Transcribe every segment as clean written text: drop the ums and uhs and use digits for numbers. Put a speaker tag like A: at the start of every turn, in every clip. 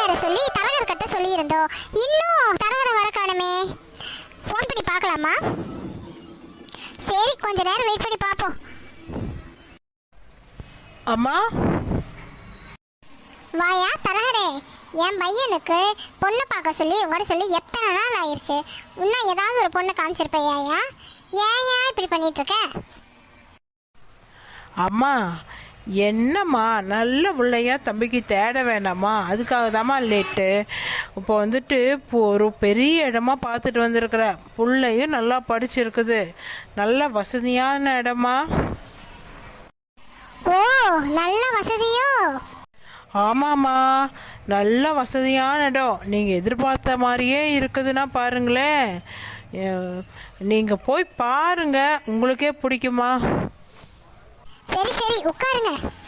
A: வேற சொல்லி தரகர் கிட்ட சொல்லி இருந்தோம். இன்னும் தரகரை வர காணுமே. ஃபோன் பண்ணி பார்க்கலாமா? சரி, கொஞ்ச நேரம் வெயிட் பண்ணி பார்ப்போம்.
B: அம்மா
A: வாயா தரகரே, என் பையனுக்கு பொண்ணு பார்க்க சொல்லி உங்கள்கிட்ட சொல்லி எத்தனை நாள் ஆயிடுச்சு. இன்னும் ஏதாவது ஒரு பொண்ணு காமிச்சிருப்பையா? ஏன் இப்படி பண்ணிட்டு இருக்க?
B: அம்மா என்னம்மா, நல்ல பிள்ளையா தம்பிக்கு தேட வேண்டாமா? அதுக்காக தாம்மா லேட்டு. இப்போ வந்துட்டு இப்போ ஒரு பெரிய இடமா பார்த்துட்டு வந்திருக்கிற. பிள்ளையும் நல்லா படிச்சிருக்குது, நல்ல வசதியான இடமா.
A: ஓ, நல்ல வசதியோ?
B: ஆமாம்மா, நல்ல வசதியான இடம். நீங்கள் எதிர்பார்த்த மாதிரியே இருக்குதுன்னா பாருங்களேன். நீங்கள் போய் பாருங்க, உங்களுக்கே பிடிக்குமா?
A: சரி சரி, உட்காருங்க.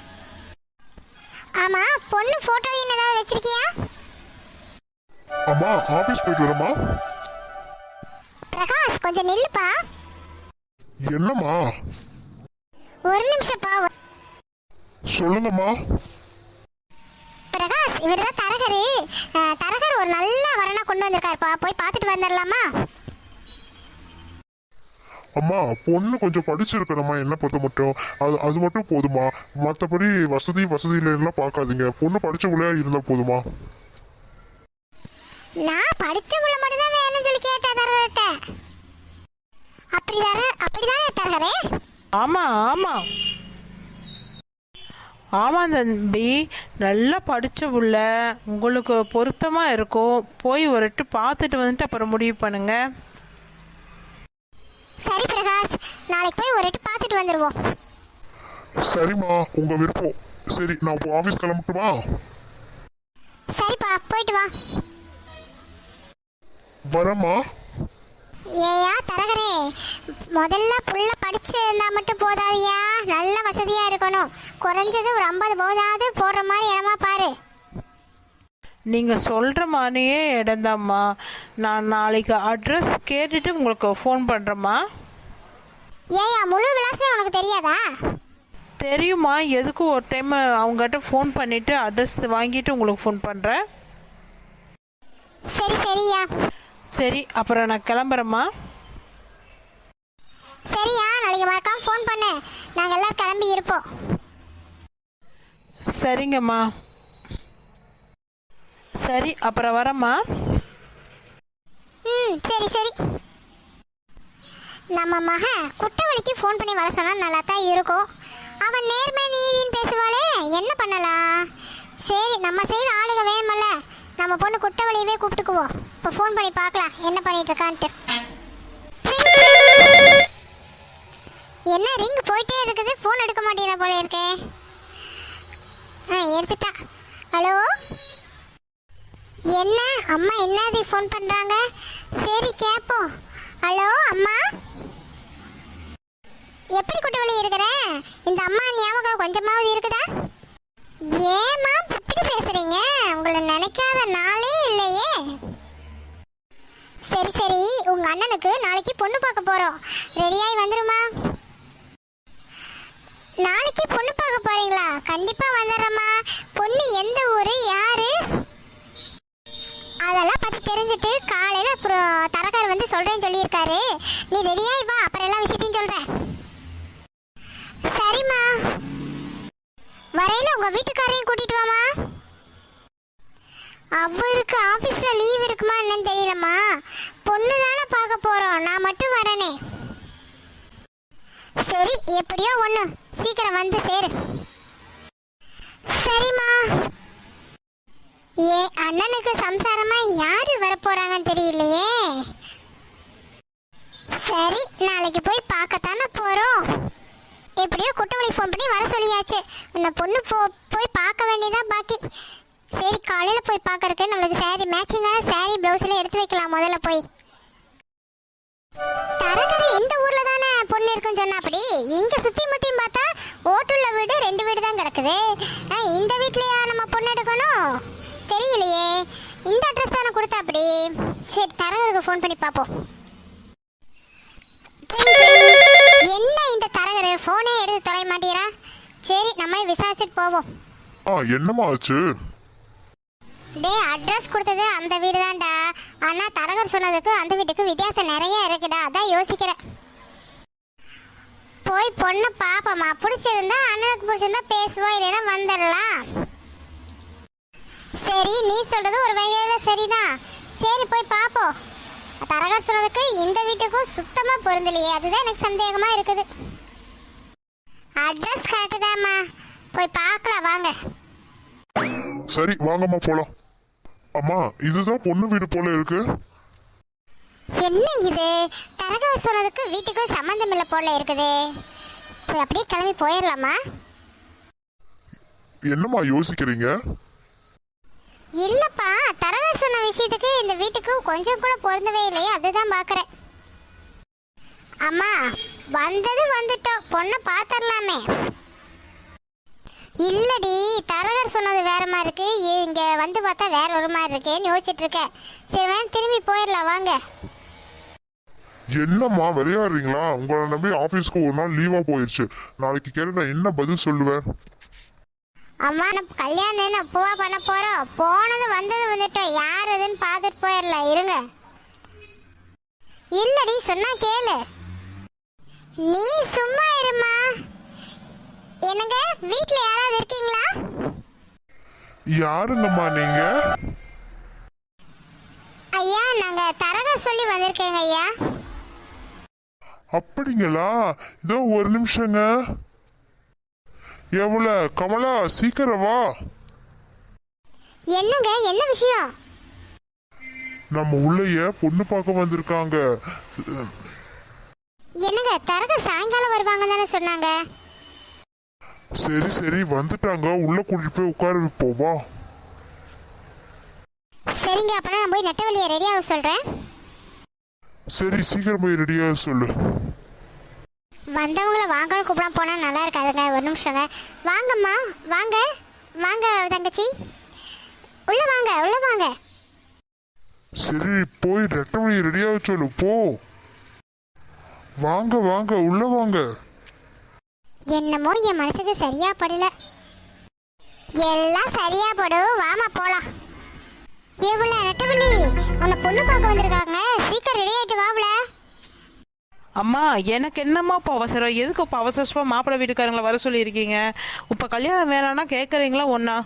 A: ஆமா, பொண்ணு போட்டோ ஏதாவது வச்சிருக்கியா?
C: அம்மா, ஆபீஸ் போயிட்டு வரமா?
A: பிரகாஷ், கொஞ்சம் நில்லுப்பா.
C: என்னம்மா?
A: ஒரு நிமிஷம்ப்பா.
C: சொல்லுங்கம்மா.
A: பிரகாஷ், இவர்தான் தரகரு. தரகர் ஒரு நல்ல வரனா கொண்டு வந்திருக்காருப்பா, போய் பார்த்துட்டு வந்துடலாமா?
C: அம்மா, பொண்ணு கொஞ்சம் படிச்சிருக்கணுமா? என்ன பொறுத்த மட்டும் அது மட்டும் போதுமா? மற்றபடி வசதியிலாம் பார்க்காதீங்க. பொண்ணு படிச்சவங்களே இருந்தா போதுமா?
A: நான் படிச்சவங்கள மட்டும் தான் வேணும்னு சொல்லி கேட்டேன் தரகர்கிட்ட. அப்படிதானே தரகரே?
B: ஆமாம் ஆமாம் ஆமாம் தம்பி, நல்லா படித்த புள்ள, உங்களுக்கு பொருத்தமாக இருக்கும். போய் ஒரு எட்டு பார்த்துட்டு வந்துட்டு அப்புறம் முடிவு பண்ணுங்க.
A: சரி பிரகாஷ், நாளைக்கு போய் ஒரு எட்டு பார்த்துட்டு வந்துடுவோம்.
C: சரிம்மா, உங்க விருப்பம். சரி, நான் இப்போ ஆஃபீஸ் கிளம்பட்டுமா?
A: சரிப்பா, போயிட்டு வா.
C: வரேம்மா.
A: ஏயா தரகரே, முதல்ல புள்ள படிச்சு இருந்தா மட்டும் போதாதியா, நல்ல வசதியா இருக்கணும். குறைஞ்சது ஒரு 50 போதாது போடுற மாதிரி இடமா பாரு.
B: நீங்கள் சொல்கிற மாதிரியே இடம்தாம்மா. நான் நாளைக்கு அட்ரஸ் கேட்டுட்டு உங்களுக்கு ஃபோன் பண்ணுறேம்மா.
A: ஏயா, முழு விலாசமே உனக்கு தெரியாதா?
B: தெரியுமா, எதுக்கும் ஒரு டைம் அவங்ககிட்ட ஃபோன் பண்ணிவிட்டு அட்ரஸ் வாங்கிட்டு உங்களுக்கு ஃபோன் பண்ணுறேன்.
A: சரி சரியா.
B: சரி, அப்புறம் நான் கிளம்புறேம்மா.
A: சரியா, நாளைக்கு மறக்காம ஃபோன் பண்ணு. நாங்கள் எல்லாம் கிளம்பி இருப்போம்.
B: சரிங்கம்மா. சரி, அப்புறம் வரேம்மா.
A: சரி சரி. நம்ம மக குட்டவழிக்கு ஃபோன் பண்ணி வர சொன்னா நல்லா தான் இருக்கும். அவன் நேர்மை நீதின்னு பேசுவாளே, என்ன பண்ணலாம்? சரி, நம்ம சைடு ஆளுக வேணுமல்ல, நம்ம பொண்ணு குட்டவழியவே கூப்பிட்டுக்குவோம். இப்போ ஃபோன் பண்ணி பார்க்கலாம் என்ன பண்ணிட்டு இருக்கான்ட்டு. என்ன ரிங் போயிட்டே இருக்குது, ஃபோன் எடுக்க மாட்டேங்கிற போல இருக்கே. எடுத்துட்டா. ஹலோ, என்ன அம்மா, என்னது ஃபோன் பண்றாங்க? சரி கேட்போம். ஹலோ அம்மா, எப்படி குட்டவழி இருக்கிற? இந்த அம்மா ஞாபகம் கொஞ்சமாவது இருக்குதா? ஏமா இப்படி பேசுறீங்க? உங்களை நினைக்காத நாளே இல்லையே. சரி சரி, உங்க அண்ணனுக்கு நாளைக்கு பொண்ணு பார்க்க போறோம். ரெடியாகி வந்துருமா? நாளைக்கு பொண்ணு பார்க்க போறீங்களா? கண்டிப்பா வந்துடுறேம்மா. பொண்ணு எந்த ஊரு, யாரு, அதெல்லாம் பத்தி தெரிஞ்சுட்டு காலையில அப்புறம் தரகார் வந்து சொல்றேன்னு சொல்லியிருக்காரு. நீ ரெடியாகி வா, அப்புறம் எல்லா விஷயத்தையும் சொல்றேன். சரிம்மா, வரையில உங்க வீட்டுக்காரையும் கூட்டிட்டு வாமா. அவருக்கு ஆபீஸ்ல லீவ் இருக்குமா என்னன்னு தெரியலம்மா. பொண்ணு தானே பார்க்க போறோம், நான் மட்டும் வரனே. சரி, எப்படியோ ஒண்ணு, சீக்கிரம் வந்து சேரு. சரிம்மா. ஏ அண்ணனுக்கு சம்சாரமா யாரு வரப்போறாங்கன்னு தெரியலையே. சரி, நாளைக்கு போய் பார்க்கத்தானே போறோம். எப்படியோ குட்டவழி ஃபோன் பண்ணி வர சொல்லியாச்சு. உன்னை பொண்ணு போய் பார்க்க வேண்டியதான் பாக்கி. சரி, காலையில போய் பார்க்கறதுக்கு நம்மளுக்கு சாரி மேட்சிங்கான சாரி பிளவுஸ்ல எடுத்து வைக்கலாம். முதல்ல போய் தரகரை இந்த ஊர்ல தானே பொண்ணு இருக்குன்னு சொன்னா, அப்படி இங்க சுத்தி முத்தியும் பார்த்தா ஓட்டுள்ள வீடு 2 வீடு தான் கிடக்குது. இந்த வீட்லயா நம்ம பொண்ணு எடுக்கணும்? தெரியலையே. இந்த அட்ரஸ் தானே கொடுத்தா அப்படி. சரி, தரகருக்கு ஃபோன் பண்ணி பார்ப்போம். என்ன இந்த தரகரு ஃபோனே எடுத்து தொலை மாட்டீரா? சரி, நம்மளே விசாரிச்சுட்டு போவோம்.
C: என்னம்மா ஆச்சு?
A: டேய் அட்ரஸ் கொடுத்தது அந்த வீடு தான்டா. ஆனால் தரகர் சொன்னதுக்கு அந்த வீட்டுக்கு வித்தியாசம் நிறைய இருக்குடா. அதான் யோசிக்கிறேன். போய் பொண்ணை பாப்போமா, பிடிச்சிருந்தா அண்ணனுக்கு பிடிச்சிருந்தா பேசுவோம், இல்லைன்னா வந்துடலாம். சரி, நீ சொல்றது ஒரு வகையில் சரிதான். சரி போய் பார்ப்போம். தரகர் சொன்னதுக்கு இந்த வீட்டுக்கும் சுத்தமாக பொருந்தலையே, அதுதான் எனக்கு சந்தேகமாக இருக்குது. அட்ரஸ் கரெக்டு தாம்மா, போய் பார்க்கலாம் வாங்க.
C: சரி வாங்கம்மா போலாம். அம்மா இதுதான் பொண்ணு வீடு போல இருக்கு.
A: என்ன இது, தரகர் சொன்னதுக்கு வீட்டுக்கும் சம்மந்தம் இல்லை போல இருக்குது. போய் அப்படியே கிளம்பி போயிடலாமா?
C: என்னம்மா யோசிக்கிறீங்க?
A: இல்லப்பா, தரகர் சொன்ன விஷயத்துக்கு இந்த வீட்டுக்கு கொஞ்சம் கூட பொருந்தவே இல்லையே, அதுதான் பார்க்குறேன். அம்மா வந்தது வந்துட்டோம், பொண்ணை பார்த்துடலாமே. இல்லடி, தரகர் சொன்னது வேற மாதிரி இருக்கு, இங்க வந்து பார்த்தா வேற ஒரு மாதிரி இருக்கேன்னு யோசிச்சுட்டு இருக்கேன். சரி வேணும் திரும்பி போயிடலாம் வாங்க.
C: என்னம்மா விளையாடுறீங்களா? உங்களை நம்பி ஆபீஸ்க்கு ஒரு நாள் லீவா போயிடுச்சு. நாளைக்கு கேட்டு நான் என்ன பதில் சொல்லுவேன்?
A: அம்மா நம்ம கல்யாணம் எப்போவா பண்ண போறோம்? போனது வந்தது வந்துட்டோம், யார் எதுன்னு பார்த்துட்டு போயிடலாம். இருங்க. இல்லடி சொன்னா கேளு. நீ சும்மா இருமா. என்னங்க வீட்ல யாராவது இருக்கீங்களா?
C: யாருங்கம்மா நீங்க?
A: ஐயா நாங்க தரகர் சொல்லி வந்திருக்கேங்க ஐயா.
C: அப்படிங்களா? இதோ ஒரு நிமிஷங்க. எவ்வளோ கமலா, சீக்கிரம் வா.
A: என்னங்க என்ன விஷயம்?
C: நம்ம உள்ளேய பொண்ணு பார்க்க வந்திருக்காங்க.
A: என்னங்க தரகர் சாயங்காலம் வருவாங்க தானே சொன்னாங்க.
C: சரி சரி வந்துட்டாங்க, உள்ள கூட்டிட்டு போய் உட்கார வைப்போம் வா.
A: சரிங்க, அப்பனா நான் போய் நெட்டவழியை ரெடி ஆக சொல்றேன்.
C: சரி சீக்கிரம் போய் ரெடியா சொல்லு.
A: வந்தவங்கள வாங்கன்னு கூப்பிட போனா நல்லா இருக்காதுங்க. ஒரு நிமிஷங்க. வாங்கம்மா வாங்க. வாங்க தங்கச்சி, உள்ள வாங்க உள்ள வாங்க.
C: சரி போய் ரெட்டமணி ரெடியா சொல்லு போ. வாங்க வாங்க உள்ள வாங்க.
A: என்னமோ என் மனசுக்கு சரியா படல. எல்லாம் சரியா படும், வாமா போலாம். எவ்வளோ நெட்டவள்ளி, உன்னை பொண்ணு பார்க்க வந்திருக்காங்க, சீக்கிரம் ரெடி ஆயிட்டு வாவுல.
B: அம்மா எனக்கு என்னம்மா இப்போ அவசரம்? எதுக்கு இப்போ அவசரமாக மாப்பிள்ளை வீட்டுக்காரங்களை வர சொல்லியிருக்கீங்க? இப்போ கல்யாணம் வேணான்னா கேட்குறீங்களா ஒன்றா?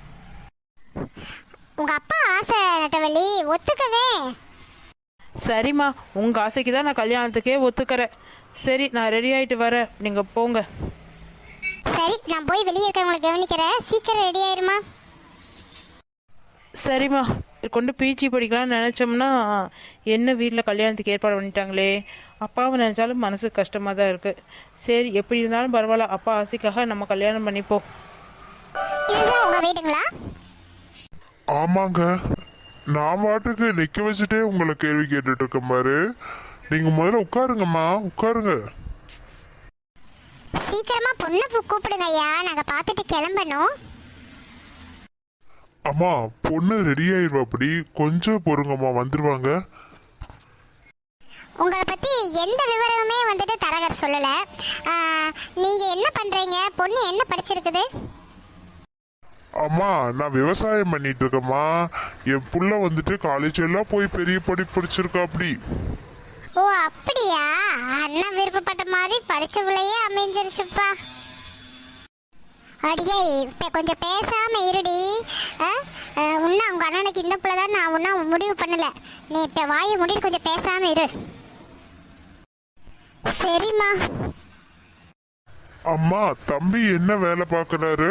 A: உங்க அப்பா ஆசை நெட்டவள்ளி, ஒத்துக்கவே.
B: சரிம்மா, உங்கள் ஆசைக்கு தான் நான் கல்யாணத்துக்கே ஒத்துக்கிறேன். சரி நான் ரெடி ஆகிட்டு வரேன், நீங்கள் போங்க.
A: சரி நான் போய் வெளியே இருக்கவங்களை கவனிக்கிறேன், சீக்கிரம் ரெடி ஆயிருமா.
B: சரிம்மா, கொண்டு பிஜி படிக்கலாம்னு நினச்சோம்னா என்ன வீட்டில் கல்யாணத்துக்கு ஏற்பாடு பண்ணிட்டாங்களே. அப்பாவை நினச்சாலும் மனசு கஷ்டமாக தான் இருக்குது. சரி எப்படி இருந்தாலும் பரவாயில்ல, அப்பா ஆசைக்காக நம்ம கல்யாணம் பண்ணிப்போம்.
A: இதுதான் உங்க வீடுங்களா?
C: ஆமாங்க, நான் பாட்டுக்கு நிக்க வச்சுட்டே உங்களை கேள்வி கேட்டுட்டு இருக்கேன் பாரு. நீங்க முதல்ல உட்காருங்கம்மா, உட்காருங்க.
A: சீக்கிரமா பொண்ணு கூப்பிடுங்க ஐயா, நாங்க பார்த்துட்டு கிளம்பணும்.
C: அம்மா பொண்ணு ரெடி ஆயிடுவா, அப்படி கொஞ்சம் பொறுங்கம்மா, வந்துருவாங்க.
A: உங்களை பத்தி எந்த விவரமுமே வந்துட்டு தரகர் சொல்லல. நீங்க என்ன பண்றீங்க? பொண்ணு என்ன படிச்சிருக்குது?
C: அம்மா நான் விவசாயம் பண்ணிட்டு இருக்கேம்மா. என் புள்ள வந்துட்டு காலேஜ் எல்லாம் போய் பெரிய படிப்பு படிச்சிருக்கா அப்படி.
A: ஓ அப்படியா? அண்ணா விருப்பப்பட்ட மாதிரி படிச்ச பிள்ளையே அமைஞ்சிருச்சுப்பா. அடியே இப்போ கொஞ்சம் பேசாம இருடி. உன்ன உங்க அண்ணனுக்கு இந்த பிள்ளை தான், நான் ஒன்றும் முடிவு பண்ணல. நீ இப்போ வாயை முடிட்டு கொஞ்சம் பேசாம இரு. சரிம்மா.
C: அம்மா தம்பி என்ன வேலை பார்க்கறாரு?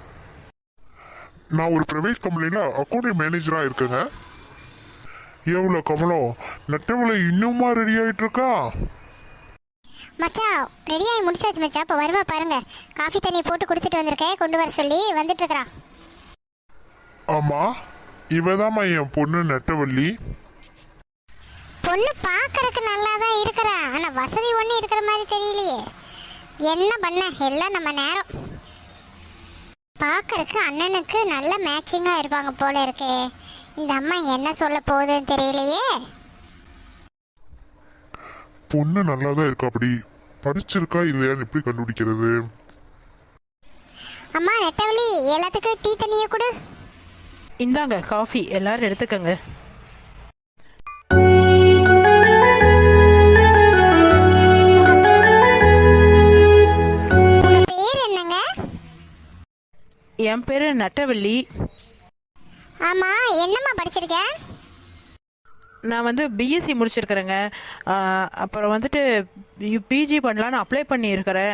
C: நான் ஒரு பிரைவேட் கம்பெனில அக்கௌண்ட் மேனேஜரா இருக்கேங்க. எவ்வளோ கமலம், நெட்டவளை இன்னுமா ரெடி ஆயிட்டு இருக்கா?
A: மச்சான் ரெடி ஆகி முடிச்சாச்சு மச்சான். இப்போ வருவா பாருங்க, காஃபி தண்ணி போட்டு கொடுத்துட்டு வந்திருக்கேன், கொண்டு வர சொல்லி வந்துட்டு இருக்கிறான்.
C: ஆமா இவதாம்மா என் பொண்ணு நெட்டவள்ளி.
A: பொண்ணு பார்க்கறதுக்கு நல்லா தான் இருக்கிறா, ஆனால் வசதி ஒன்றும் இருக்கிற மாதிரி தெரியலையே. என்ன பண்ண, எல்லாம் நம்ம நேரம். பார்க்கறதுக்கு அண்ணனுக்கு நல்ல மேட்சிங்காக இருப்பாங்க போல இருக்கே. இந்த அம்மா என்ன சொல்ல போகுதுன்னு தெரியலையே.
C: பொண்ணு நல்லா தான் இருக்கா, அப்படி படிச்சிருக்கா இல்லையான்னு எப்படி கண்டுபிடிக்கிறது?
A: அம்மா நெட்டவள்ளி, எல்லாத்துக்கும் டீ தண்ணியை கொடு.
B: இந்தாங்க காஃபி, எல்லாரும் எடுத்துக்கங்க.
A: உங்க பேர் என்னங்க?
B: என் பேர் நட்டவள்ளி.
A: ஆமா, என்னம்மா படிச்சிருக்க?
B: நான் வந்து பிஎஸ்சி முடிச்சிருக்கிறேங்க. அப்புறம் வந்துட்டு பிஜி பண்ணலான்னு அப்ளை பண்ணியிருக்கிறேன்.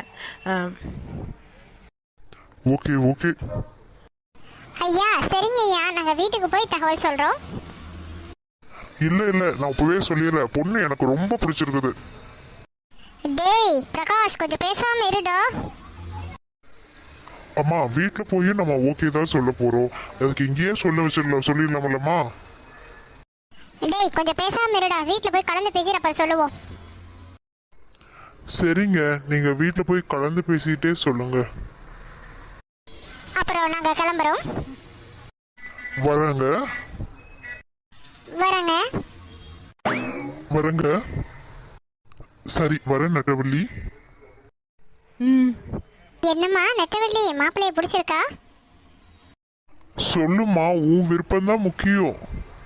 C: Okay okay.
A: ஐயா சரிங்க ஐயா, நாங்க வீட்டுக்கு போய் தகவல் சொல்றோம்.
C: இல்ல இல்ல, நான் இப்பவே சொல்லிடுறேன், பொண்ணு எனக்கு ரொம்ப பிடிச்சிருக்குது.
A: டேய் பிரகாஷ், கொஞ்சம் பேசாம இருடா.
C: அம்மா வீட்டுல போய் நம்ம ஓகே தான் சொல்ல போறோம், அதுக்கு இங்கேயே சொல்லிடலாமல்லம்மா.
A: டேய் கொஞ்சம் பேசாம இருடா, வீட்ல போய் கலந்து பேசி அப்புறம் சொல்லுவோம்.
C: சரிங்க, நீங்க வீட்டுல போய் கலந்து பேசிட்டே சொல்லுங்க.
A: அப்புறம் நாங்க கிளம்புறோம்.
C: வரங்க
A: வரங்க.
C: வரங்க. சரி வரேன் நட்டவள்ளி.
A: என்னம்மா நெட்டவள்ளி, மாப்பிள்ளைய பிடிச்சிருக்கா?
C: சொல்லுமா, உன் விருப்பம்தான் முக்கியம்.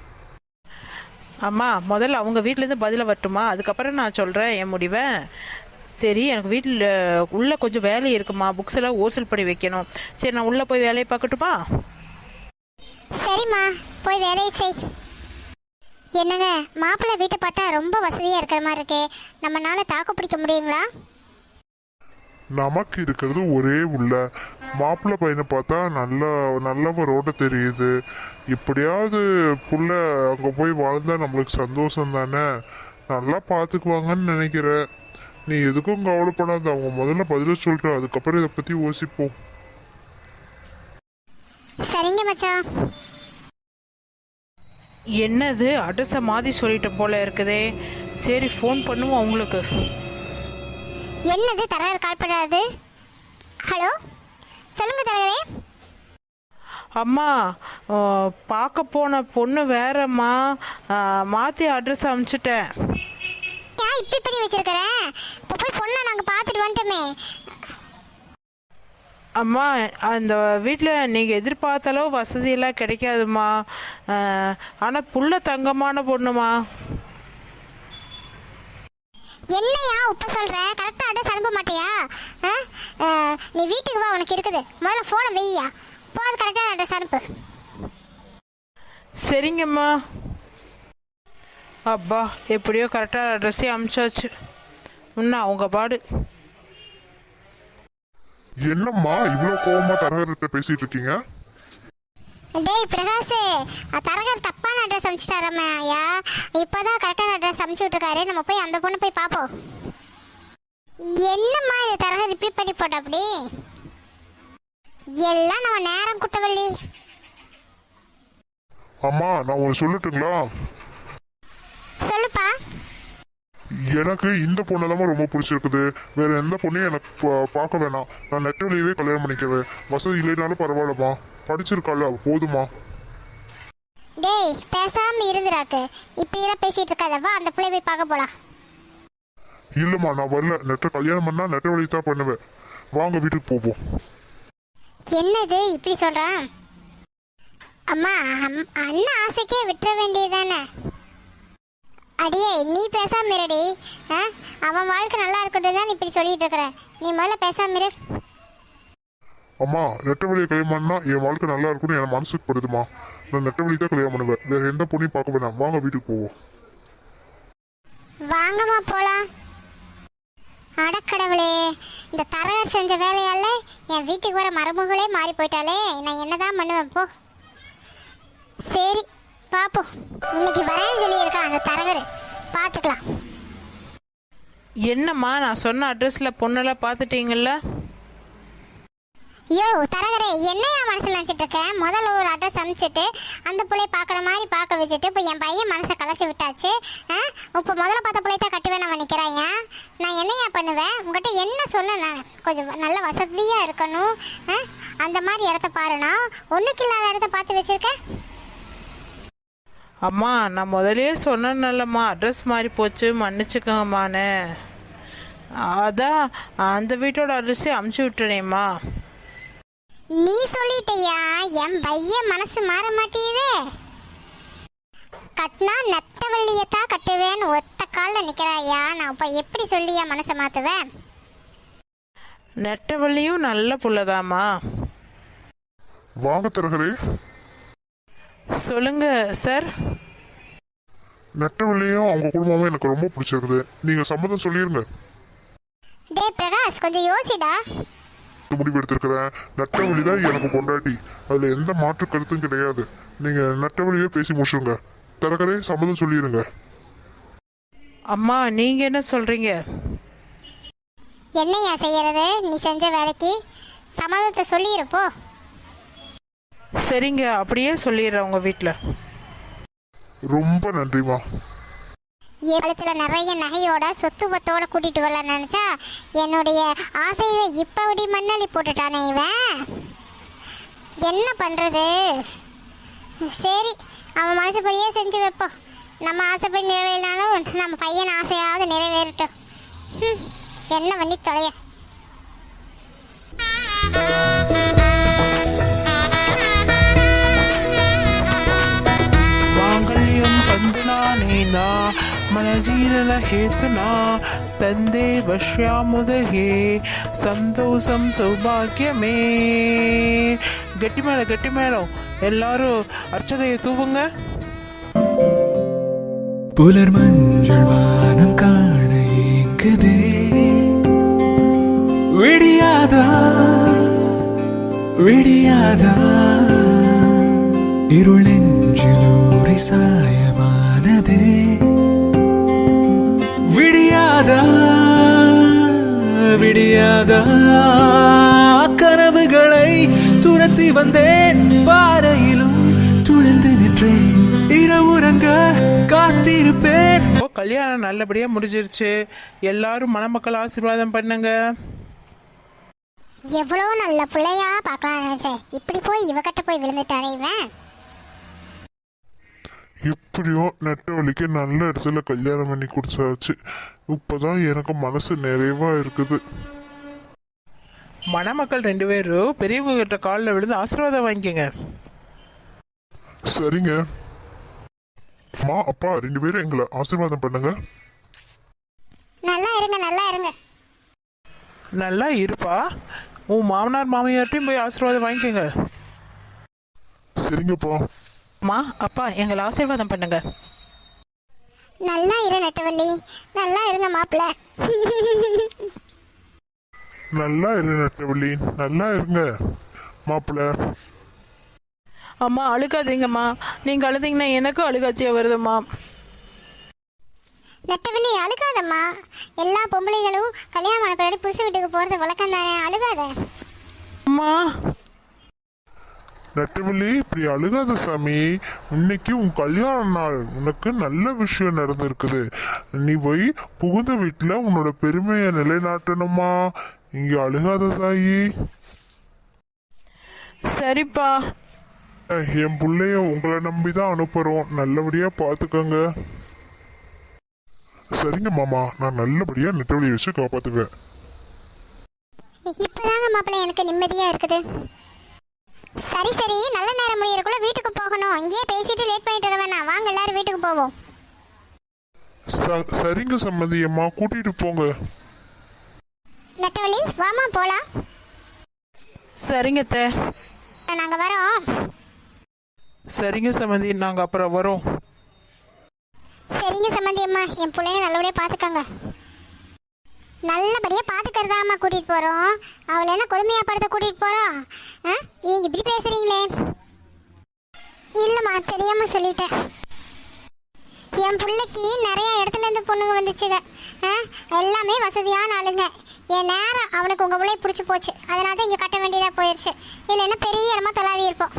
B: அம்மா முதல்ல அவங்க வீட்டிலேருந்து பதில வரட்டுமா, அதுக்கப்புறம் நான் சொல்கிறேன் என் முடிவை. சரி, எனக்கு வீட்டில் உள்ளே கொஞ்சம் வேலை இருக்குமா, புக்ஸ் எல்லாம் ஹோல்சேல் பண்ணி வைக்கணும். சரி, நான் உள்ளே போய் வேலையை பார்க்கட்டுமா?
A: சரிம்மா, போய் வேலையை செய். என்னங்க, மாப்பிள்ளை வீட்டை பார்த்தா ரொம்ப வசதியா இருக்கிற மாதிரி இருக்கே, நம்மளால தாக்கு பிடிக்க முடியுங்களா?
C: நமக்கு இருக்கிறது ஒரே உள்ள மாப்பிள்ளை பையனை பார்த்தா நல்லவரோட தெரியுது. இப்படியாவது புள்ள அங்கே போய் வாழ்ந்தா நம்மளுக்கு சந்தோஷம் தானே, நல்லா பார்த்துக்குவாங்கன்னு நினைக்கிறேன். நீ எதுக்கும் கவலைப்படாத, அவங்க முதல்ல பதில சொல்லிட்டு அதுக்கப்புறம் இதை பற்றி யோசிப்போம்.
A: சரிங்க மச்சான்.
B: என்னது அட்ரஸை மாற்றி சொல்லிட்ட போல இருக்குதே. சரி, ஃபோன் பண்ணுவோம் அவங்களுக்கு.
A: என்னது தரகர் கால் பண்ணாது? ஹலோ சொல்லுங்க தரகரே.
B: அம்மா, பார்க்க போன பொண்ணு வேறம்மா, மாற்றி அட்ரஸ் அனுப்பிச்சிட்டேன்.
A: ஏன் இப்படி பண்ணி வச்சிருக்கிறேன்? இப்போ போய் பொண்ணை நாங்கள் பார்த்துட்டு வந்துட்டோமே.
B: அம்மா, அந்த வீட்டில் நீங்கள் எதிர்பார்த்த அளவு வசதியெல்லாம் கிடைக்காதுமா. ஆனால் புள்ள தங்கமான பொண்ணுமா.
A: என்னையா உப்ப சொல்ற? கரெக்டா அட்ரஸ் அனுப்ப மாட்டியா? நீ வீட்டுக்கு வா, உனக்கு இருக்குது. முதல்ல போனை வெய்யா, போது கரெக்டான அட்ரஸ் அனுப்பு.
B: சரிங்கம்மா. அப்பா, எப்படியோ கரெக்டான அட்ரஸே அனுப்பிச்சாச்சு. இன்னும் அவங்க பாடு.
C: என்னம்மா இவ்வளோ கோவமா தரகர்கிட்ட பேசிட்டு இருக்கீங்க?
A: டேய் பிரகாஷ், தரகர் தப்பான அட்ரஸ் அனுப்பிச்சிட்டாரம்மா ஐயா. இப்போதான் கரெக்டான அட்ரஸ் அனுப்பிச்சு விட்டுருக்காரு, நம்ம போய் அந்த பொண்ணு போய் பார்ப்போம். என்னம்மா இது தரகர் இப்படி பண்ணி போட்ட? அப்படி எல்லாம் நம்ம நேரம் குட்டவள்ளி.
C: அம்மா நான் ஒன்று சொல்லட்டுங்களா?
A: சொல்லுப்பா.
C: எனக்கு இந்த பொண்ணை தான் ரொம்ப பிடிச்சிருக்குது, வேற எந்த பொண்ணையும் எனக்கு பார்க்க வேணாம். நான் நெட்டவழியவே கல்யாணம் பண்ணிக்கிறேன். வசதி இல்லைனாலும் பரவாயில்லம்மா, படிச்சிருக்காள் போதுமா.
A: டேய் பேசாம இருந்துராக்கு, இப்படியெல்லாம் பேசிட்டு இருக்காதவா, அந்த பிள்ளை போய் பார்க்க போலாம்.
C: இல்லம்மா நான் வரல, கல்யாணம் பண்ணா நெட்டவழி தான் பண்ணுவேன். வாங்க வீட்டுக்கு போவோம்.
A: என்னது இப்படி சொல்றான்? அம்மா, அண்ணன் ஆசைக்கே விட்டுற வேண்டியதானே. அடியே நீ பேசாம இருடி. அவன் வாழ்க்கை நல்லா இருக்கட்டும் தான் இப்படி சொல்லிட்டு இருக்கிற. நீ முதல்ல பேசாம இரு.
C: அம்மா நெட்டவழியை கல்யாணம் பண்ணா என் வாழ்க்கை நல்லா இருக்கும்னு என் மனசுக்கு படுதுமா. நான் நெட்டவழி தான் கல்யாணம் பண்ணுவேன், வேற எந்த பொண்ணையும் பார்க்க வேணாம். வாங்க வீட்டுக்கு போவோம்.
A: வாங்கம்மா போலாம். அடக்கடவுளே, இந்த தரகர் செஞ்ச வேலையால என் வீட்டுக்கு வர மருமகளே மாறி போயிட்டாலே. நான் என்னதான் பண்ணுவேன் போ. சரி பாப்போம், இன்னைக்கு வரேன்னு சொல்லி இருக்கான் அந்த தரகர், பார்த்துக்கலாம்.
B: என்னம்மா, நான் சொன்ன அட்ரஸில் பொண்ணெல்லாம் பார்த்துட்டீங்களா?
A: யோ தரகரே, என்னையா மனசில் நினச்சிட்டு இருக்கேன்? முதல்ல ஒரு அட்ரஸ் அனுப்பிச்சிட்டு அந்த பிள்ளைய பார்க்குற மாதிரி பார்க்க வச்சுட்டு இப்போ என் பையன் மனசை கலைச்சி விட்டாச்சு. இப்போ முதல்ல பார்த்த பிள்ளைய தான் கட்டுவேன் நான் நினைக்கிறாங்க. நான் என்னையா பண்ணுவேன்? உங்கள்கிட்ட என்ன சொன்னேன்? நான் கொஞ்சம் நல்ல வசதியாக இருக்கணும், அந்த மாதிரி இடத்த பாருண்ணா. ஒன்றுக்கு இல்லாத இடத்த பார்த்து வச்சுருக்கேன்.
B: அம்மா, நான் முதலே சொன்னேன்லம்மா, அட்ரஸ் மாறி போச்சு, மன்னிச்சுக்கோங்கம்மாண்ணே. அதான் அந்த வீட்டோட அட்ரஸே அமுச்சு விட்டுனேம்மா.
A: நீ சொல்லிட்டியா, என் பையன் மனசு மாற மாட்டேதே. கட்டினா நெட்டவள்ளியத்தான் கட்டுவேன்னு ஒத்த காலில் நிற்கிறாயா, நான் இப்போ எப்படி சொல்லியா மனசை மாற்றுவேன்?
B: நெட்டவள்ளியும் நல்ல புள்ளதாம்மா.
C: வாங்க தரகரே.
B: சொல்லுங்க சார்.
C: நெட்டவள்ளியும் அவங்க குடும்பமும் எனக்கு ரொம்ப பிடிச்சிருக்குது. நீங்க சம்மதம் சொல்லிருங்க.
A: டே பிரகாஷ், கொஞ்சம் யோசிடா.
C: முடிவு எடுத்திருக்கிறேன். நெட்டவள்ளி தான் எனக்கு பொண்டாட்டி, அதுல எந்த மாற்று கருத்தும் கிடையாது. நீங்க நெட்டவள்ளியே பேசி முடிச்சுங்க. தரகரே சம்மதம் சொல்லிருங்க.
B: அம்மா நீங்க என்ன சொல்றீங்க?
A: என்னையா செய்யறது, நீ செஞ்ச வேலைக்கு சம்மதத்தை சொல்லியிருப்போ.
B: சரிங்க, அப்படியே சொல்லிடுறேன் உங்க வீட்டில்.
C: ரொம்ப நன்றிமா.
A: காலத்துல நிறைய நகையோட சொத்து பத்தோட கூட்டிட்டு வரல நினைச்சா என்னுடைய ஆசையை இப்ப இப்படி மண்ணள்ளி போட்டுட்டானே இவன். என்ன பண்றது? சரி, அவன் மனசுப்படியே செஞ்சு வைப்போம். நம்ம ஆசைப்படி நிறைவேறினாலும் நம்ம பையன் ஆசையாவது நிறைவேறட்டும். என்ன பண்ணி தொலைய.
B: மாங்கல்யம் பந்தனானேனா மனஜீரன ஹேத்துனா தந்தே வஷ்யாமுதகே சந்தோஷம் சௌபாகியமே. கெட்டி மேடம் எல்லாரும் அர்ச்சதையை தூவுங்க.
D: புலர் மஞ்சள் வானம் காண ஏங்குதே, விடியாதா விடியாதா, இருள் நெஞ்சிலூரை சாயமானதே, விடியாதா விடியாதா, கனவுகளை துரத்தி வந்தேன், பாறையிலும் துளிர்ந்து நின்றேன், இரவுறங்க காத்திருப்பேன்.
B: கல்யாணம் நல்லபடியா முடிஞ்சிருச்சு. எல்லாரும் மணமக்கள் ஆசீர்வாதம் பண்ணுங்க.
A: எவ்வளோ நல்ல பிள்ளையா பார்க்கலாம் நினைச்சேன், இப்படி போய் இவகிட்ட போய் விழுந்துட்டானே இவன்.
C: எப்படியோ நெட்டவள்ளிக்கு நல்ல இடத்துல கல்யாணம் பண்ணி கொடுத்தாச்சு. இப்பதான் எனக்கு மனசு நிறைவா இருக்குது.
B: மணமக்கள் 2 பேரும் பெரியவங்க கிட்ட காலில் விழுந்து ஆசீர்வாதம் வாங்கிக்கங்க.
C: சரிங்க. அம்மா அப்பா 2 பேரும் எங்களை ஆசீர்வாதம் பண்ணுங்க.
A: நல்லா இருங்க, நல்லா இருங்க.
B: நல்லா இருப்பா. உன் மாமனார் மாமியார்ட்டையும் போய் ஆசீர்வாதம் வாங்கிக்கோங்க.
C: சரிங்கப்பா.
B: அம்மா அப்பா எங்களை ஆசீர்வாதம் பண்ணுங்க.
A: நல்லா இரு நெட்டவள்ளி, நல்லா இருங்க மாப்பிள்ள.
C: நல்லா இரு நெட்டவள்ளி, நல்லா இருங்க மாப்பிள்ள.
B: அம்மா அழுகாதீங்கம்மா, நீங்கள் அழுதீங்கன்னா எனக்கும் அழுகாச்சியாக வருதும்மா.
A: நெட்டவள்ளி அழுகாதம்மா, எல்லா பொம்பளைகளும் கல்யாணம் ஆன பின்னாடி புருஷ வீட்டுக்கு போகிறது வழக்கம் தானே, அழுகாத.
B: அம்மா
C: நெட்டவள்ளி இப்படி அழுகாத சாமி. இன்னைக்கு உன் கல்யாண நாள், உனக்கு நல்ல விஷயம் நடந்திருக்குது. நீ போய் புகுந்த வீட்டுல உன்னோட பெருமையை நிலைநாட்டணுமா. இங்க அழுகாத தாயி.
B: சரிப்பா.
C: என் பிள்ளைய உங்களை நம்பிதான் அனுப்புறோம், நல்லபடியா பாத்துக்கோங்க. சரிங்க மாமா, நான் நல்லபடியா நெட்டவழியை வச்சு காப்பாத்துவேன்.
A: இப்பதாங்க மாப்பிள்ள எனக்கு நிம்மதியா இருக்குது. சரி சரி, நல்ல நேரம் முடியறதுக்குள்ள வீட்டுக்கு போகணும். இங்கேயே பேசிட்டு லேட் பண்ணிட்டு இருக்க வேணாம், வாங்க எல்லாரும் வீட்டுக்கு போவோம்.
C: சரிங்க சம்மந்தி அம்மா, கூட்டிட்டு போங்க.
A: நெட்டவள்ளி வாமா போலாம்.
B: சரிங்க தே.
A: நாங்க வரோம்.
B: சரிங்க சம்மந்தி, நாங்கள் அப்புறம் வரோம்.
A: சரிங்க சம்மந்தி அம்மா, என் பிள்ளைங்க நல்லபடியா பாத்துக்கங்க. நல்லபடியா பாத்துக்கிறதாம்மா கூட்டிட்டு போறோம். அவளை என்ன கொடுமையா படுத்த கூட்டிட்டு போறோம்? நீங்க இப்படி பேசுறீங்களே. இல்லம்மா, தெரியாம சொல்லிட்டேன். என் பிள்ளைக்கு நிறைய இடத்துல இருந்து பொண்ணுங்க வந்துச்சுங்க. எல்லாமே வசதியான ஆளுங்க. என் நேரம் அவனுக்கு உங்க பிள்ளைய பிடிச்சி போச்சு, அதனால தான் இங்க கட்ட வேண்டியதா போயிடுச்சு. இல்லைன்னா பெரிய இடமா தொலாவி இருப்போம்.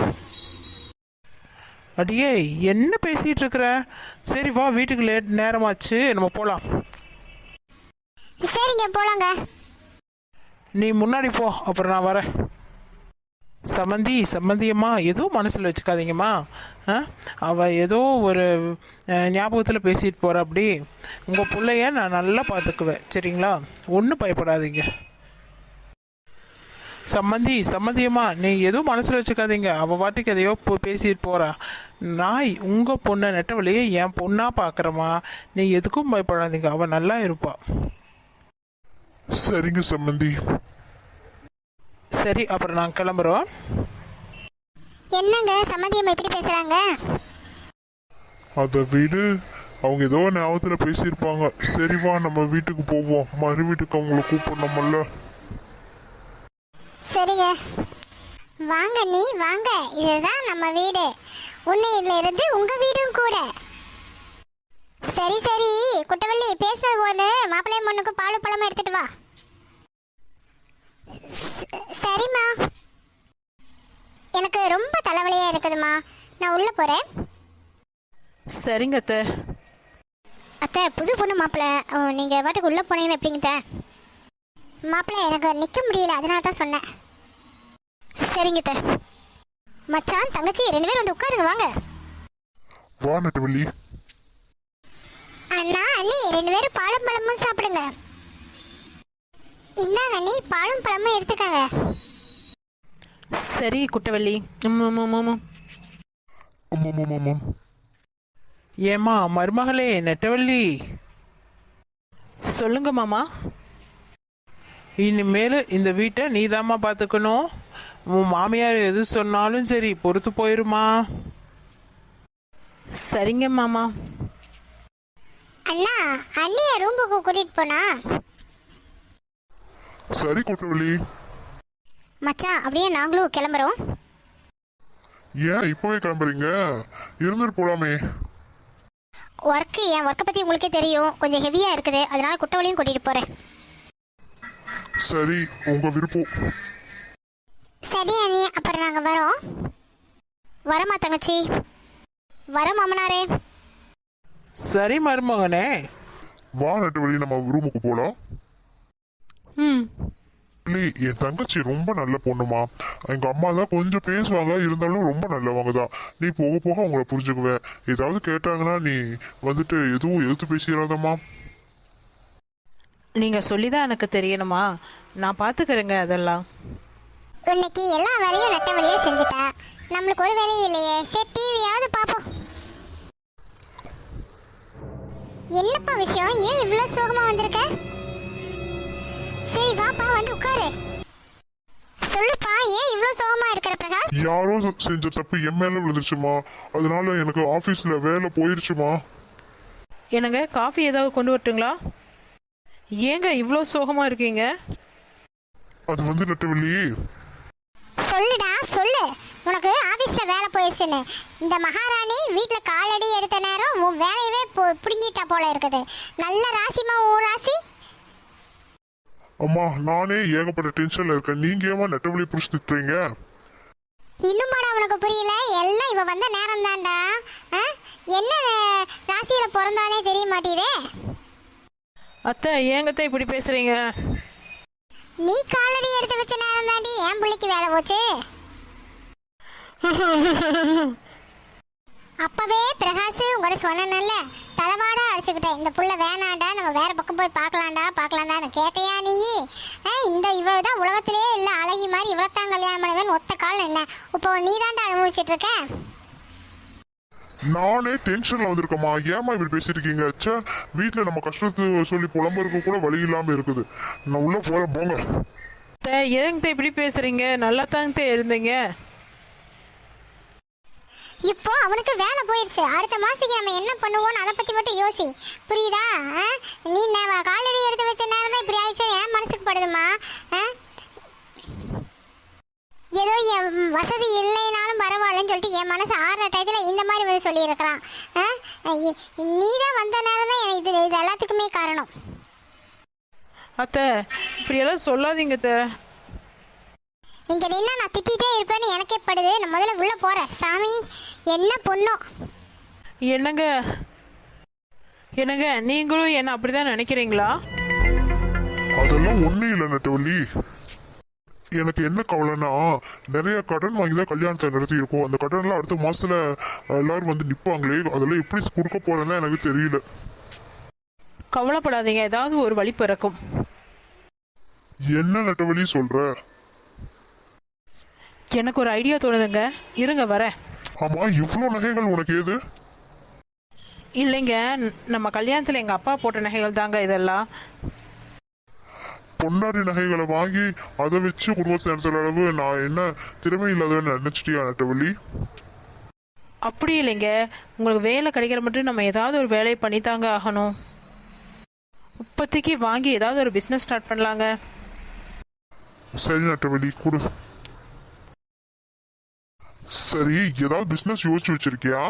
B: அடியே என்ன பேசிட்டு இருக்கிற? சரி வா, வீட்டுக்கு நேரமாச்சு, நம்ம போலாம்.
A: சரிங்க போலாங்க.
B: நீ முன்னாடி போ, அப்புறம் நான் வரேன். சம்மந்தியம்மா எதுவும் மனசில் வச்சுக்காதீங்கம்மா. அவள் ஏதோ ஒரு ஞாபகத்தில் பேசிட்டு போகிற. அப்படி உங்கள் பிள்ளைய நான் நல்லா பார்த்துக்குவேன், சரிங்களா? ஒன்றும் பயப்படாதீங்க. சம்மந்தியம்மா நீ எதுவும் மனசில் வச்சுக்காதீங்க. அவள் வாட்டுக்கு எதையோ பேசிட்டு போகிறா. நான் உங்கள் பொண்ணை நெட்டவழியே என் பொண்ணாக பார்க்குறேம்மா. நீ எதுக்கும் பயப்படாதீங்க, அவள் நல்லா இருப்பா.
C: சரிங்க சம்மந்தி.
B: சரி, அப்புறம் நாங்கள் கிளம்புறோம்.
A: என்னங்க சம்மந்தியம் எப்படி பேசுறாங்க?
C: அதை விடு, அவங்க ஏதோ ஞாபகத்தில் பேசியிருப்பாங்க. சரி வா நம்ம வீட்டுக்கு போவோம், மறு வீட்டுக்கு அவங்கள கூப்பிடணுமல்ல.
A: சரிங்க, வாங்க நீ வாங்க, இதுதான் நம்ம வீடு. உன்னையில இருந்து உங்க வீடும் கூட. சரி சரி குட்டவள்ளி, பேசுறது போது மாப்பிள்ளைய பொண்ணுக்கு பாலும் பழமும் எடுத்துட்டு வா. சரிம்மா. எனக்கு ரொம்ப தலைவலியா இருக்குதுமா, நான் உள்ள போறேன்.
B: சரிங்க அத்தை.
A: அத்தை, புது பொண்ணு மாப்பிள்ளை, நீங்க பாட்டுக்கு உள்ள போனீங்கன்னு எப்படிங்க அத்தை? மாப்பிள்ளை எனக்கு நிக்க முடியல, அதனால தான் சொன்னேன். சரிங்க அத்தை. மச்சான் தங்கச்சி 2 பேரும் வந்து உட்காருங்க, வாங்க.
C: வா நெட்டவள்ளி.
A: அண்ணா அண்ணி 2 பேரும் பாலும் பழமும் சாப்பிடுங்க. இந்தாங்க அண்ணி, பாலும் பழமும் எடுத்துக்கங்க.
B: சரி குட்டவள்ளி. ஏம்மா மருமகளே நெட்டவள்ளி. சொல்லுங்க மாமா. இனிமேல் இந்த வீட்டை நீதாம்மா பார்த்துக்கணும். உன் மாமியார் எது சொன்னாலும் சரி பொறுத்து போயிருமா. சரிங்க மாமா.
A: அண்ணா அண்ணிய ரூமுக்கு கூட்டிட்டு போனா.
C: சரி குட்டவள்ளி.
A: மச்சான் அப்படியே நாங்களும் கிளம்புறோம்.
C: ஏன் இப்பவே கிளம்புறீங்க? இருந்துட்டு போலாமே.
A: என் ஒர்க்கை பற்றி உங்களுக்கே தெரியும், கொஞ்சம் ஹெவியாக இருக்குது, அதனால குட்டவளையும் கூட்டிகிட்டு போகிறேன்.
C: சரி, உங்க விருப்பம்.
A: சரி அண்ணி, அப்புறம் நாங்கள் வரோம். வரமா தங்கச்சி? வர மாமனாரே.
B: சரி மருமகனே.
C: வா நெட்டவள்ளி, நம்ம ரூமுக்கு போலாம்.
B: ம்.
C: என் தங்கச்சி ரொம்ப நல்ல பொண்ணுமா. எங்க அம்மா தான் கொஞ்சம் பேசுவாங்க, இருந்தாலும் ரொம்ப நல்லவங்க தான். நீ போக போக அவங்கள புரிஞ்சுக்குவ. ஏதாவது கேட்டாங்கன்னா நீ வந்துட்டு எதுவும் எதிர்த்து பேசிடாதம்மா.
B: நீங்கள் சொல்லி தான் எனக்கு தெரியணுமா? நான் பார்த்துக்கிறேங்க அதெல்லாம்.
A: இன்னைக்கு எல்லா வேலையும் நட்ட வேலையே செஞ்சுட்டா, நம்மளுக்கு ஒரு வேலையும் இல்லையே. சரி டிவியாவது பார்ப்போம். என்னப்பா விஷயம், ஏன் இவ்வளோ சோகமாக வந்திருக்க? சரி வாப்பா, வந்து உட்காரு. சொல்லுப்பா, ஏன் இவ்வளோ சோகமா இருக்கிற பிரகாஷ்?
C: யாரோ செஞ்ச தப்பு என் மேல விழுந்துருச்சுமா, அதனால எனக்கு ஆபீஸ்ல வேலை போயிருச்சுமா.
B: என்னங்க காஃபி ஏதாவது கொண்டு வரட்டுங்களா? ஏங்க இவ்வளோ சோகமாக இருக்கீங்க?
C: அது வந்து நெட்டவள்ளி.
A: சொல்லுடா சொல்லு, உனக்கு ஆபீஸ்ல வேலை போயிடுச்சுன்னு. இந்த மகாராணி வீட்டில் காலடி எடுத்த நேரம் உன் வேலையவே பிடுங்கிட்டா போல இருக்குது. நல்ல ராசிமா உன் ராசி.
C: அம்மா நானே ஏகப்பட்ட டென்ஷன்ல இருக்கேன், நீங்க ஏமா நெட்டவள்ளி புடிச்சு திட்டுறீங்க?
A: இன்னுமாடா உனக்கு புரியல? எல்லாம் இவ வந்த நேரம் தான்டா. என்ன ராசியில பிறந்தானே தெரிய மாட்டேதே.
B: அத்தை ஏங்கத்தை இப்படி பேசுறீங்க?
A: நீ காலடி எடுத்து வச்ச நேரம் தாண்டி என் பிள்ளைக்கு வேலை போச்சு. அப்பவே பிரகாஷ் உங்கள்ட்ட சொன்னேன்ல, தலைவாடா அடிச்சுக்கிட்டேன், இந்த புள்ள வேணாண்டா, நம்ம வேற பக்கம் போய் பார்க்கலாண்டான்னு கேட்டையா நீ? இந்த இவ தான் உலகத்திலே இல்லை அழகி மாதிரி, இவ்வளோத்தான் கல்யாணம் பண்ணுவேன்னு ஒத்த கால் என்ன. இப்போ நீ தாண்டா அனுபவிச்சுட்டு இருக்க.
C: நானே டென்ஷன்ல வந்திருக்கேம்மா, ஏமா இப்படி பேசிருக்கீங்க? ச்சே, வீட்டுல நம்ம கஷ்டத்தை சொல்லி புலம்புறதுக்கு கூட வழி இல்லாம இருக்குது. நான் உள்ள போறேன் போங்க.
B: ஏங்க இப்படி பேசுறீங்க? நல்லா தாங்க இருந்தீங்க.
A: இப்போ அவனுக்கு வேலை போயிடுச்சு, அடுத்த மாசத்துக்கு நம்ம என்ன பண்ணுவோம்னு அதை பத்தி மட்டும் யோசி, புரியுதா? நீ காலடி எடுத்து வச்ச நேரம் தான் இப்படி ஆயிடுச்சு, என் மனசுக்கு படுதுமா. ஏதோ என் வசதி இல்லைனாலும் பரவாயில்லன்னு சொல்லிட்டு என் மனசு ஆடுற டயத்தில் இந்த மாதிரி வந்து சொல்லியிருக்கிறான். நீ தான் வந்த நேரம் தான் இது எல்லாத்துக்குமே காரணம்.
B: அத்தை இப்படியெல்லாம் சொல்லாதீங்க அத்தை.
A: இங்க நின்னா நான் திட்டிகிட்டே இருப்பேன்னு எனக்கே படுது. நான் முதல்ல உள்ள போறேன். சாமி என்ன பொண்ணோ.
B: என்னங்க என்னங்க நீங்களும் என்ன அப்படிதான் நினைக்கிறீங்களா?
C: அதெல்லாம் ஒண்ணும் இல்லை நெட்டவள்ளி. எனக்கு என்ன கவலைன்னா, நிறைய கடன் வாங்கி தான் கல்யாணத்தை நடத்தி இருக்கோம். அந்த கடன்லாம் அடுத்த மாசத்துல எல்லாரும் வந்து நிற்பாங்களே, அதெல்லாம் எப்படி கொடுக்க போறேன்னு எனக்கு தெரியல.
B: கவலைப்படாதீங்க, ஏதாவது ஒரு வழி பிறக்கும்.
C: என்ன நெட்டவள்ளி சொல்ற?
B: எனக்கு ஒரு ஐடியா தோணுதுங்க, இருங்க வரேன்.
C: ஆமா, இவ்வளோ நகைகள் உனக்கு ஏது?
B: இல்லைங்க, நம்ம கல்யாணத்தில் எங்கள் அப்பா போட்ட நகைகள் தாங்க இதெல்லாம்.
C: பொன்னாடி நகைகளை வாங்கி அதை வச்சு குடும்பத்தை நடத்துற அளவு நான் என்ன திறமை இல்லாதவன்னு நினைச்சிட்டியா நெட்டவள்ளி?
B: அப்படி இல்லைங்க, உங்களுக்கு வேலை கிடைக்கிற மட்டும் நம்ம ஏதாவது ஒரு வேலையை பண்ணித்தாங்க ஆகணும். இப்போதைக்கு வாங்கி ஏதாவது ஒரு பிஸ்னஸ் ஸ்டார்ட் பண்ணலாங்க.
C: சரி நெட்டவள்ளி, கொடு. சரி, ஏதாவது பிசினஸ் யோசிச்சு வச்சிருக்கியா?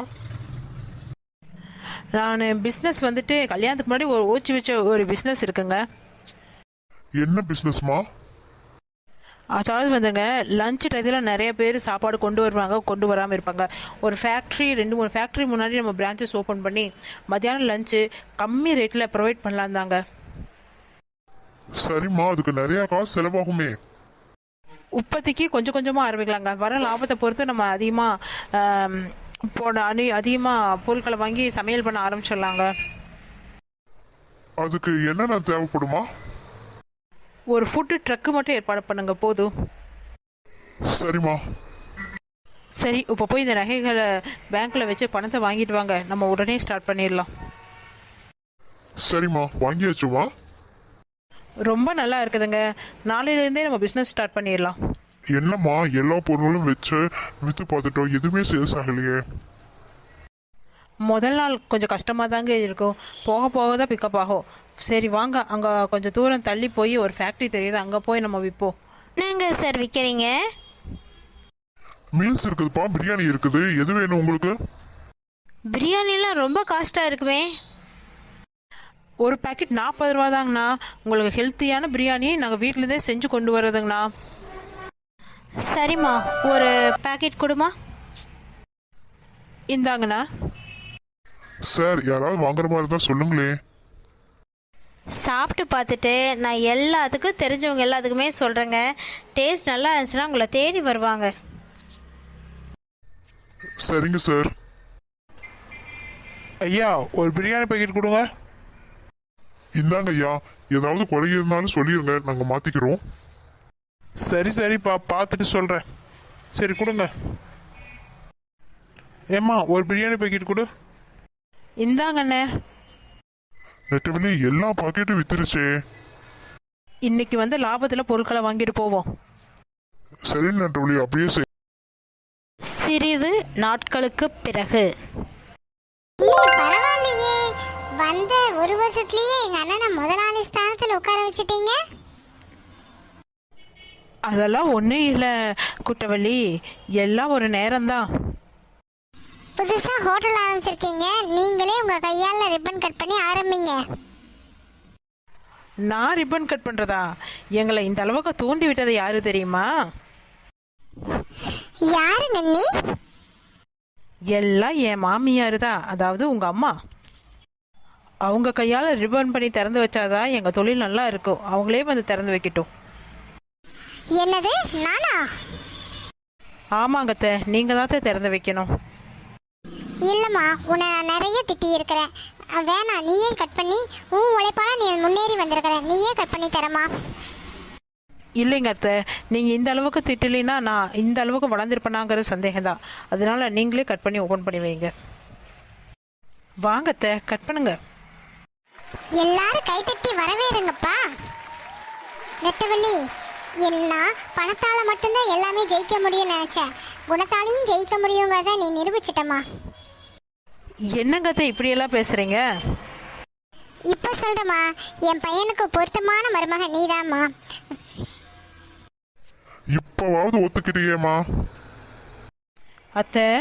B: நான் பிஸ்னஸ் வந்துட்டு கல்யாணத்துக்கு முன்னாடி ஒரு ஓச்சி வச்ச ஒரு பிஸ்னஸ் இருக்குங்க.
C: என்ன பிசினஸ்மா?
B: அதாவது வந்துங்க, லஞ்ச் டயத்தில் நிறைய பேர் சாப்பாடு கொண்டு வருவாங்க, கொண்டு வராமல் இருப்பாங்க. ஒரு ஃபேக்ட்ரி 2-3 ஃபேக்ட்ரி முன்னாடி நம்ம பிரான்ச்சஸ் ஓப்பன் பண்ணி மத்தியானம் லஞ்சு கம்மி ரேட்டில் ப்ரொவைட் பண்ணலாம் தாங்க.
C: சரிம்மா, அதுக்கு நிறைய காசு செலவாகுமே.
B: இப்போதைக்கு கொஞ்சம் கொஞ்சமாக ஆரம்பிக்கலாங்க. வர லாபத்தை பொறுத்து நம்ம அதிகமாக பொருட்களை வாங்கி சமையல் பண்ண ஆரம்பிச்சிடலாங்க.
C: அதுக்கு என்னென்ன தேவைப்படுமா?
B: ஒரு ஃபுட்டு ட்ரக்கு மட்டும் ஏற்பாடு பண்ணுங்க போதும்.
C: சரிம்மா.
B: சரி, இப்போ போய் இந்த நகைகளை பேங்க்கில் வச்சு பணத்தை வாங்கிட்டு வாங்க, நம்ம உடனே ஸ்டார்ட் பண்ணிடலாம்.
C: சரிம்மா, வாங்கியாச்சுமா.
B: ரொம்ப நல்லா இருக்குதுங்க, நாளையிலேருந்தே நம்ம பிஸ்னஸ் ஸ்டார்ட் பண்ணிடலாம்.
C: என்னம்மா, எல்லா பொருளும் வச்சு விற்று பார்த்துட்டோம், எதுவுமே சேல்ஸ் ஆகலையே.
B: முதல் நாள் கொஞ்சம் கஷ்டமாக தாங்க இருக்கும், போக போக தான் பிக்கப் ஆகும். சரி வாங்க, அங்கே கொஞ்சம் தூரம் தள்ளி போய் ஒரு ஃபேக்ட்ரி தெரியுது, அங்கே போய் நம்ம விற்போம்.
A: என்னங்க சார் விற்கிறீங்க?
C: மீல்ஸ் இருக்குதுப்பா, பிரியாணி இருக்குது, எது வேணும் உங்களுக்கு?
A: பிரியாணிலாம் ரொம்ப காஸ்ட்டாக இருக்குமே.
B: ஒரு பேக்கெட் 40 ரூபா தாங்கண்ணா. உங்களுக்கு ஹெல்த்தியான பிரியாணி நாங்கள் வீட்டிலேருந்தே செஞ்சு கொண்டு வர்றதுங்கண்ணா.
A: சரிம்மா, ஒரு பேக்கெட் கொடுமா.
B: இந்தாங்கண்ணா.
C: சார், யாராவது வாங்குற மாதிரி இருந்தால் சொல்லுங்களே.
A: சாப்பிட்டு பார்த்துட்டு நான் எல்லாத்துக்கும் தெரிஞ்சவங்க எல்லாத்துக்குமே சொல்கிறேங்க, டேஸ்ட் நல்லா இருந்துச்சுன்னா உங்களை தேடி வருவாங்க.
C: சரிங்க சார்.
E: ஐயா, ஒரு பிரியாணி பேக்கெட் கொடுங்க.
C: இந்தாங்க ஐயா, ஏதாவது குறை இருந்தாலும் சொல்லிடுங்க, நாங்கள் மாற்றிக்கிறோம்.
E: சரிப்பா, பார்த்துட்டு சொல்கிறேன். சரி கொடுங்க. ஏம்மா, ஒரு பிரியாணி பேக்கெட் கொடு.
B: இந்தாங்கண்ணே.
C: நெட்டவள்ளி, எல்லா பாக்கெட்டும் வித்துருச்சே.
B: இன்னைக்கு வந்து லாபத்தில் பொருட்களை வாங்கிட்டு போவோம்.
C: சரி நெட்டவள்ளி, அப்படியே செய்.
A: சிறிது நாட்களுக்கு பிறகு.
F: நீ பரவாயில்லையே, வந்த ஒரு வருஷத்துலயே எங்க அண்ணனை முதலாளி ஸ்தானத்துல உட்கார வச்சிட்டீங்க.
B: அதெல்லாம் ஒன்றும் இல்லை குட்டவள்ளி, எல்லாம் ஒரு நேரம்தான்.
F: புதுசா ஹோட்டல் ஆரம்பிச்சிருக்கீங்க, நீங்களே உங்க கையால ரிப்பன் கட் பண்ணி ஆரம்பிங்க.
B: நான் ரிப்பன் கட் பண்ணுறதா? எங்களை இந்த அளவுக்கு தூண்டி விட்டது யாரு தெரியுமா?
F: யாரு நன்னி?
B: எல்லாம் என் மாமியார் தான், அதாவது உங்கள் அம்மா. அவங்க கையால் ரிப்பன் பண்ணி திறந்து வச்சாதான் எங்கள் தொழில் நல்லா இருக்கும். அவங்களே வந்து திறந்து வைக்கட்டும்.
F: என்னது, நானா?
B: ஆமாங்கத்த, நீங்கள் தான் திறந்து வைக்கணும்.
F: இல்லம்மா, உன்னை நான் நிறைய திட்டி இருக்கிறேன். வேணாம், நீயே கட் பண்ணி, உன் உழைப்பால நீ முன்னேறி வந்திருக்கிற, நீயே கட் பண்ணி தரமா.
B: இல்லைங்க அத்தை, நீங்கள் இந்த அளவுக்கு திட்டலைன்னா நான் இந்த அளவுக்கு வளர்ந்துருப்பேனாங்கிற சந்தேகம் தான். அதனால நீங்களே கட் பண்ணி ஓப்பன் பண்ணி வைங்க. வாங்க அத்தை, கட் பண்ணுங்க.
F: எல்லாரும் கைத்தட்டி வரவேறுங்கப்பா. நெட்டவள்ளி, என்ன பணத்தால மட்டும்தான் எல்லாமே ஜெயிக்க முடியும்னு நினைச்சேன், குணத்தாலையும் ஜெயிக்க முடியுங்கிறத நீ நிரூபிச்சிட்டமா.
B: என்னங்க அத்தை இப்படியெல்லாம் பேசுறீங்க?
F: இப்ப சொல்றமா, என் பையனுக்கு பொருத்தமான மருமக நீதாம்மா.
C: இப்பவாவது ஒத்துக்கிறியேம்மா?
B: அத்தை,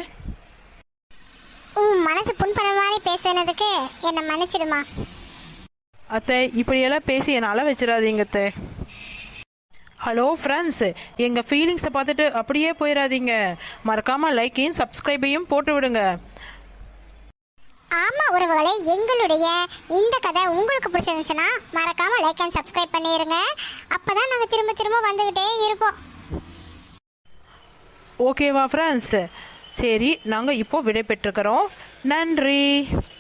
F: உன் மனசு புண்படுற மாதிரி பேசுனதுக்கு என்னை மன்னிச்சிடுமா.
B: அத்தை இப்படியெல்லாம் பேசி என்னை அள வச்சிடாதீங்க அத்தை. ஹலோ ஃப்ரெண்ட்ஸ், எங்கள் ஃபீலிங்ஸை பார்த்துட்டு அப்படியே போயிடாதீங்க. மறக்காமல் லைக்கையும் சப்ஸ்கிரைபையும் போட்டு விடுங்க.
F: ஆமா உறவுகளே, எங்களுடைய இந்த கதை உங்களுக்கு பிடிச்சிருந்துச்சுன்னா மறக்காம லைக் அண்ட் சப்ஸ்கிரைப் பண்ணிடுங்க. அப்பதான் நாங்க திரும்ப திரும்ப வந்துகிட்டே இருப்போம்.
B: ஓகேவா ஃப்ரெண்ட்ஸ்? சரி, நாங்கள் இப்போ விடை பெற்றுக்கிறோம். நன்றி.